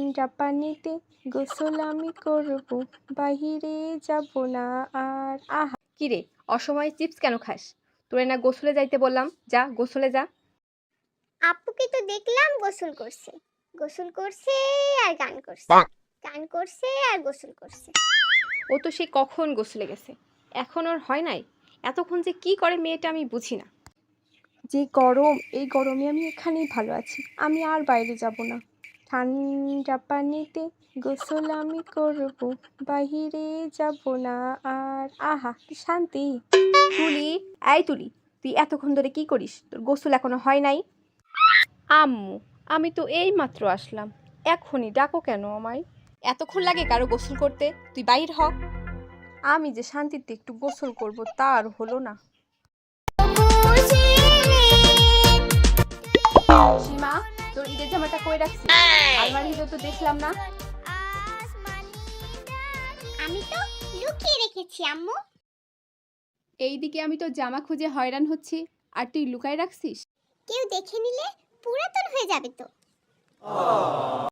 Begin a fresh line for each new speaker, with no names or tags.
ঠান্ডা পানিতে গোসল আমি করব, বাহিরে যাব না আর। আহা,
কিরে, অসময়ে চিপস কেন খাস? তোরে না গোসলে যাইতে বললাম, যা গোসলে যা।
আপুকে তো দেখলাম গোসল করছে, গোসল করছে আর গান করছে, গান করছে আর গোসল করছে।
ও তো সে কখন গোসলে গেছে, এখন ওর হয় নাই? এতক্ষণ যে কি করে মেয়েটা আমি বুঝি না।
যে গরম, এই গরমে আমি এখানেই ভালো আছি, আমি আর বাইরে যাব না। ঠান্ডা পানিতে গোসল আমি করব, বাহিরে যাব না আর। আহা, কি শান্তি।
তুলি, এই তুলি, তুই এতক্ষণ ধরে কি করিস? তোর গোসল এখনো হয় নাই? আম্মু, আমি তো এই মাত্র আসলাম, এখনই ডাকো কেন আমায়? এতক্ষণ লাগে কারো গোসল করতে? তুই বাইর হ।
আমি যে শান্তিতে একটু গোসল করব তা আর হলো না।
সীমা, তোর ঈদের জামাটা কই রাখছিস? আলমারির ভিতর তো দেখলাম না।
আমি তো লুকিয়ে রেখেছি আম্মু।
এইদিকে আমি তো জামা খুঁজে হয়রান হচ্ছি, আর তুই লুকায় রাখছিস?
কেউ দেখে নিলে পুরাতন হয়ে যাবে তো।